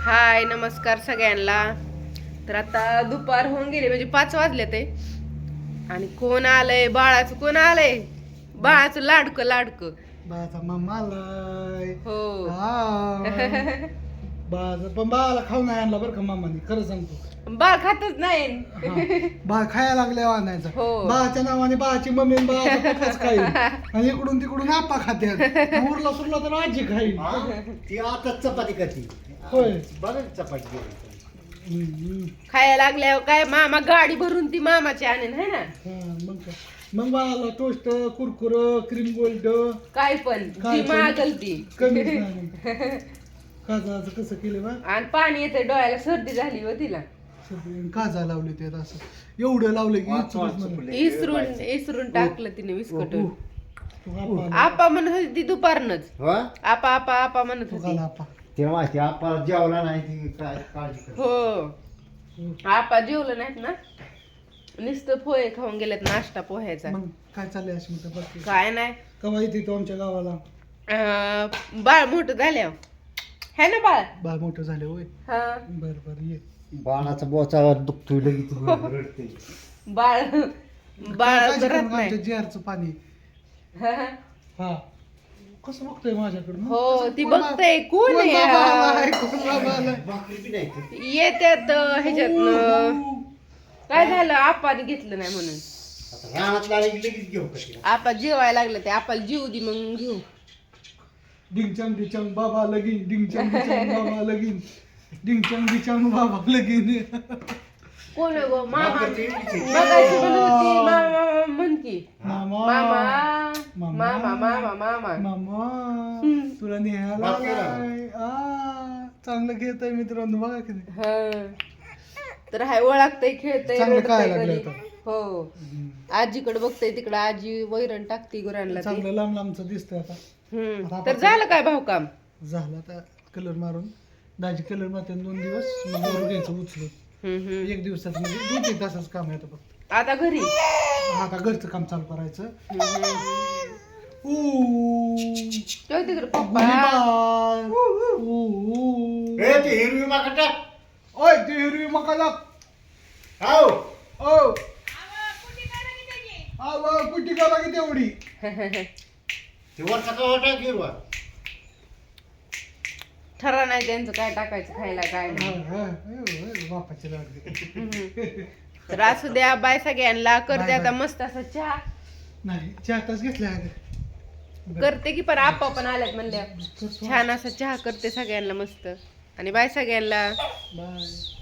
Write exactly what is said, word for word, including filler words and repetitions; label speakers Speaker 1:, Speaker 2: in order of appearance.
Speaker 1: हाय नमस्कार सगळ्यांना. तर आता दुपार होऊन गेली म्हणजे पाच वाजले ते आणि कोण आलंय? बाळाचं कोण आलंय? बाळाचं लाडकं लाडकं
Speaker 2: बाळाचा मामा आलाय.
Speaker 1: हो.
Speaker 2: हाय. बाळाचा पण बाळाला खाऊ नाही आणला बरं का मामाने, खरं सांगतो.
Speaker 1: बाळ खातच नाही.
Speaker 2: हा. बाळ खायला लागल्यावर आणायचा.
Speaker 1: हो.
Speaker 2: बाळाच्या नावाने बाळाची मम्मी आणि बाळाचा पप्पाच खाईल आणि इकडून तिकडून आपा खात्यात. उरला सुरला तर आजी खाईल.
Speaker 3: ती आता चपाती करते.
Speaker 2: होय.
Speaker 3: बघा चपाती केली.
Speaker 2: हम्म.
Speaker 1: खायला लागल्यावर काय मामा गाडी भरून ती मामाची आणेन है ना.
Speaker 2: हा, मग काय मग बाळाला टोस्ट, कुरकुर, क्रीम गोल्ड
Speaker 1: काय पण
Speaker 2: काय
Speaker 1: ती
Speaker 2: पण?
Speaker 1: मागल ती.
Speaker 2: कमीच नाही. काजळाचं कसं केलं बा?
Speaker 1: आणि पाणी येते डोळ्याला, सर्दी झाली व तिला.
Speaker 2: काजा लावले ते असं एवढं लावलं की
Speaker 3: वाच,
Speaker 2: इचलूच
Speaker 3: वाच,
Speaker 2: मला.
Speaker 3: चुकले.
Speaker 1: इसरून इसरून टाकलं तिने विस्कटून.
Speaker 2: तू आपा
Speaker 1: आपा म्हणत होती ती दुपारनच.
Speaker 3: हो?
Speaker 1: आपा आपा आपा म्हणत
Speaker 2: तू
Speaker 1: होती.
Speaker 2: घाला आपा.
Speaker 3: तेव्हा ती आपल्याला जेवला नाही ती काय काळजी करते.
Speaker 1: हो. आपा जेवलं नाहीत ना, नुसतं पोहे खाऊन गेलेत नाश्ता पोह्याचा.
Speaker 2: मग काय चाललंय अशी म्हणते बघ.
Speaker 1: काय नाही.
Speaker 2: कवा येते तो आमच्या गावाला?
Speaker 1: अं, बाळ मोठं झाल्यावर है ना बाळ.
Speaker 2: बाळ मोठं झाले होय.
Speaker 1: हा.
Speaker 2: बर बर ये.
Speaker 3: बाळाचा बोचा दुखतोय लगेच रडते.
Speaker 1: बाळ बाळ
Speaker 2: काय काळजी करू
Speaker 1: करत
Speaker 2: नका,
Speaker 1: नाही.
Speaker 2: आमच्या जेरचं पाणी. हा कसं बघतोय माझ्याकडे?
Speaker 1: हो ती बघते कोण आहे.
Speaker 3: भाकरी बी नाही खात.
Speaker 1: येत्यात ह्याच्यात. काय झालं? आपाने घेतलं नाही म्हणून.
Speaker 3: आता रानात लागली की लगेच घेऊ कशी.
Speaker 1: आपा जेवायला लागलं ते आपल्याला जीव दे मग घेऊ.
Speaker 2: डिंगचंग डिचंग बाबा लगीन, डिंगचंग डिचंग बाबा लगीन, डिंगचंग डिचंग बाबा लगीन.
Speaker 1: कोण आहे गो? मामा
Speaker 3: भाकरी बी नाही.
Speaker 1: बघायची म्हणत होती. मामा म्हण की
Speaker 2: मामा
Speaker 1: मामा मामा मामा मामा
Speaker 2: मामा तुला न्यायला
Speaker 3: बाप रे.
Speaker 2: आलाय. आ, चांगलं खेळत आहे मित्रांनो, बघा की नाही.
Speaker 1: हा. तर हाय ओळखतय, खेळतय,
Speaker 2: चांगलं काय
Speaker 1: रडतंय
Speaker 2: लागलं
Speaker 1: घरी. हो. आजीकडे बघतय, तिकडे आजी वैरण टाकते गुरांना ते.
Speaker 2: चांगलं लांब लांबचं दिसतंय आता.
Speaker 1: हम्म. तर झालं काय भाऊ काम?
Speaker 2: झालं आता कलर मारून. दाजी कलर मारते दोन दिवस, मग वर घ्यायचं उचलून.
Speaker 1: हम्म, हम्म.
Speaker 2: एक दिवसात म्हणजे दोन तीन तासाचं काम आहे आता फक्त.
Speaker 1: आता घरी.
Speaker 2: आता घरचं काम चालू करायचं.
Speaker 1: हम्म.
Speaker 2: ऊ,
Speaker 1: ठेव तिकडे पप्पा.
Speaker 2: गुलीबार. ऊ, ऊ.
Speaker 3: ए, ती हिरवी माकड टाक.
Speaker 2: ओय ती हिरवी मका लाग.
Speaker 3: हाव.
Speaker 2: ओ आव कुठे करा की तेवढी.
Speaker 3: ते वरचा का टाक हिरवा.
Speaker 1: ठरा नाही त्यांचं काय टाकायचं खायला काय
Speaker 2: हा,
Speaker 1: नाही.
Speaker 2: हा, हा, बापाची लागली.
Speaker 1: हम्म. तर असू द्या, बाय सगळ्यांना. करते
Speaker 2: बाय,
Speaker 1: आता
Speaker 2: बाय.
Speaker 1: मस्त असं चहा
Speaker 2: नाही चार तास घेतले
Speaker 1: करते की, पण आप्पा पण आल्यात म्हणल्या छान असा चहा करते सगळ्यांना मस्त. आणि बाय सगळ्यांना.
Speaker 2: बाय.